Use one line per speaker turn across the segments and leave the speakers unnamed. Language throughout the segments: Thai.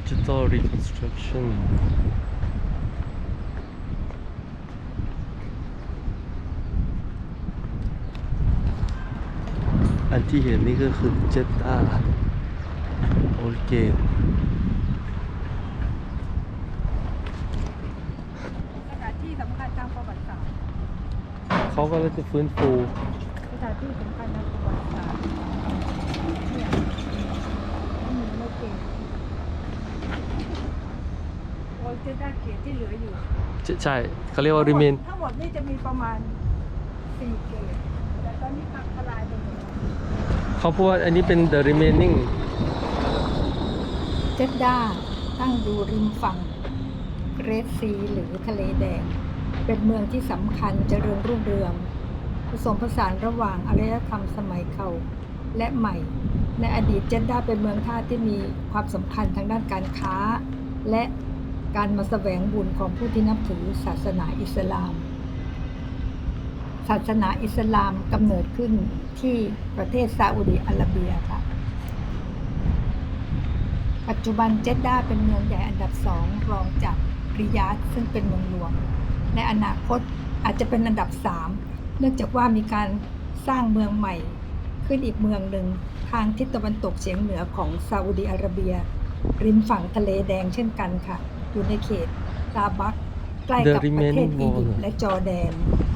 Digital Reconstruction อันที่เห็นนี่ก็คือเจตาโอเค
สถานที่สำคัญทางประวัติศาสตร์
เขาก็เลยจะฟื้นฟู
สถานที่สำคัญทางประวัติศาสตร์เนี่ยมีโลเกตโอเจด้าเกตที่เหลืออยู่
ใช่เขาเรียกว่า remain
ทั้งหมดนี่จะมีประมาณ4เกตแต่ตอนนี้พังทลายไปหมดแล้ว
เขาพูดว่าอันนี้เป็น the remaining
เจด้าตั้งอยู่ริมฝั่งเกรทซีหรือทะเลแดงเป็นเมืองที่สำคัญเจริญรุ่งเรืองผสมผสานระหว่างอารยธรรมสมัยเก่าและใหม่ในอดีตเจด้าเป็นเมืองท่าที่มีความสำคัญทางด้านการค้าและการมาแสวงบุญของผู้ที่นับถือศาสนาอิสลามศาสนาอิสลามกำเนิดขึ้นที่ประเทศซาอุดิอาระเบียค่ะปัจจุบันเจด้าเป็นเมืองใหญ่อันดับ2รองจากริยาดซึ่งเป็นเมืองหลวงในอนาคตอาจจะเป็นอันดับ3เนื่องจากว่ามีการสร้างเมืองใหม่ขึ้นอีกเมืองหนึ่งทางทิศตะวันตกเฉียงเหนือของซาอุดิอาระเบียริมฝั่งทะเลแดงเช่นกันค่ะอยู่ในเขตซาบักใกล้กับประเทศอียิปต์และจอร์แดน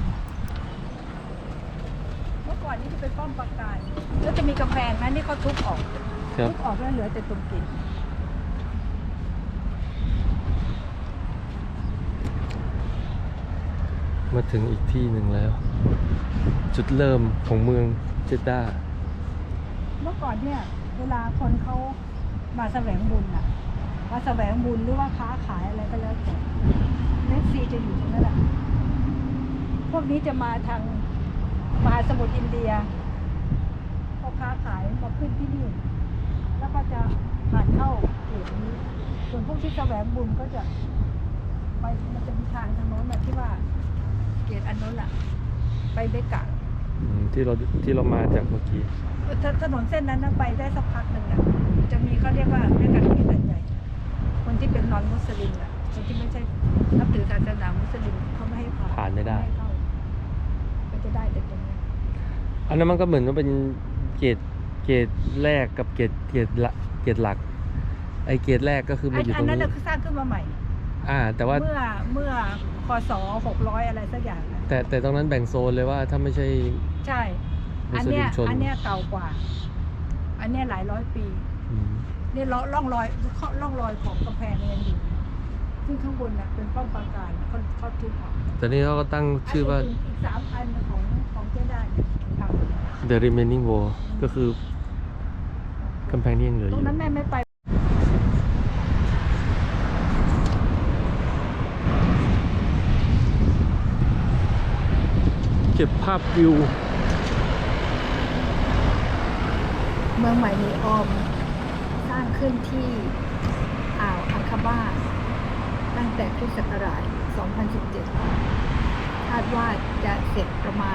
เมื่อก่อนนี้จะเป็นป้อมปราการแล้วจะมีกำแพงนั้นที่เขาทุบออกแล้วเหลือแต่ตุ่มกิ่ง
มาถึงอีกที่หนึ่งแล้ว จุดเริ่มของเมืองเจด้า
เมื่อก่อนเนี่ยเวลาคนเขามาแสวงบุญอะมาแสวงบุญหรือว่าค้าขายอะไรก็แล้วแต่เรดซีจะอยู่ตรงนั้นแหละพวกนี้จะมาทางมหาสมุทรอินเดียเขาค้าขายมาขึ้นที่นี่แล้วก็จะผ่านเข้าเขตนี้ส่วนพวกที่แสวงบุญก็จะไปมันจะมีทางโน้นแบบที่ว่าเขตอันโน้นแหละไปเบกะ
ที่เรามาจากเมื่อกี้
ถนนเส้นนั้นไปได้สักพักหนึ่งอ่ะจะมีเขาเรียกว่าด้วยกันเขตใหญ่คนที่เป็นนอนมุสลิมอ่ะคนที่ไม่ใช่นับถือศาสนามุสลิมเขาไม่ให้ผ่าน
ไม่ได้
ก็จะได้แต่ตรงนี้
อันนั้นมันก็เหมือนว่าเป็นเกรดแรกกับเกรดหลักไอเกรดแรกก็คือมันอยู่ตรงนี้
อันนั้นคือสร้างขึ้นมาใหม่
แต่ว่า
เมื่อคศ600อะไรสักอย่างนะ
แต่ตรงนั้นแบ่งโซนเลยว่าถ้าไม่ใช่
ใช่อันเนี้ยเก่ากว่าอันเนี้ยหลายร้อยปีนี่ร่องรอยของกำแพงยังอยู่ซึ่งข้างบนน่ะเป็นป้อมปราการเขาทุบออก
แต่นี่เขาก็ตั้งชื่อว่า
อีก3 อันของเจด้าท
ำ The Remaining Wall ก็คือกำแพงที่ยังเหลืออยู่
ตรงนั้นแม่ไม่ไป
เก็บภาพวิว
เมืองใหม่นีออมสร้างขึ้นที่อ่าวอังคาบ้าตั้งแต่คริสต์ศักราช 2017 คาดว่าจะเสร็จประมาณ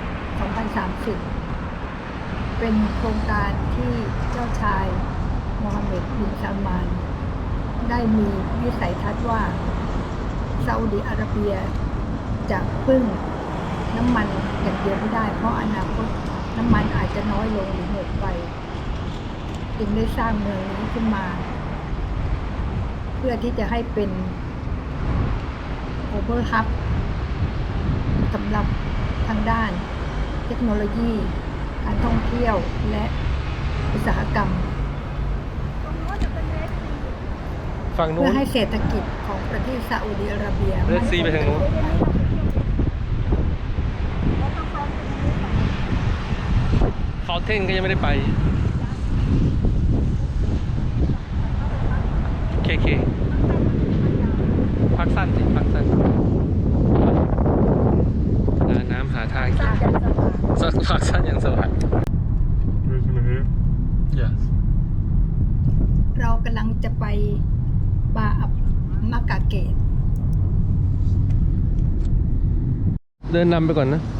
2030 เป็นโครงการที่เจ้าชายโมฮัมเหม็ด บิน ซัลมานได้มีวิสัยทัศน์ว่าซาอุดิอาระเบียจะพึ่งน้ำมันอย่างเดียวไม่ได้เพราะอนาคตน้ำมันอาจจะน้อยลงหรือหมดไปจึงได้สร้างเมืองนี้ขึ้นมาเพื่อที่จะให้เป็นโอเวอร์ฮับสำหรับทางด้านเทคโนโลยีการท่องเที่ยวและอุตสาหกรรม
ฝั่งนู้น
เพื่อให้เศรษฐกิจของประเทศซาอุดิอาระเบีย
เรดซีไปทางนู้นเขาเท่งก็ยังไม่ได้ไปเคพักสั้นพักสั้นน้ำหาทางพักสั้นอย่างสบาย Yes
เรากำลังจะไปบาอับมากาเกต
เดินนำไปก่อนนะ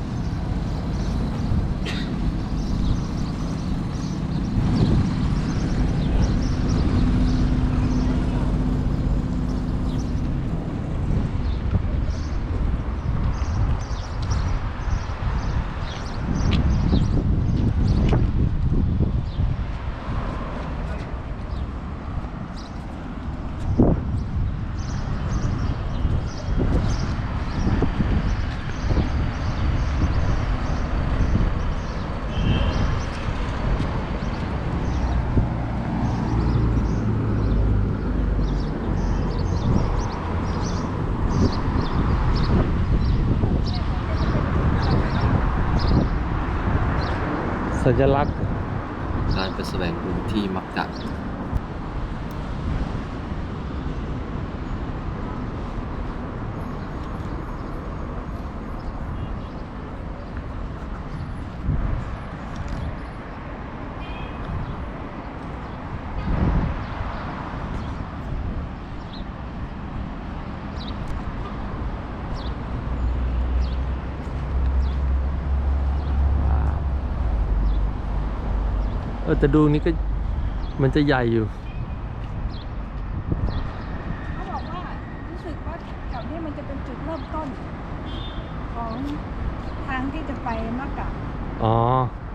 ญลักษณ์
การไปแสวงบุญที่มักกะ
แต่ดูนี้ก็มันจะใหญ่อยู่
เขาบอกว่ารู้สึกว่าแถวนี้มันจะเป็นจุดเริ่มต้นของทางที่จะไปมักกะ
อ๋อ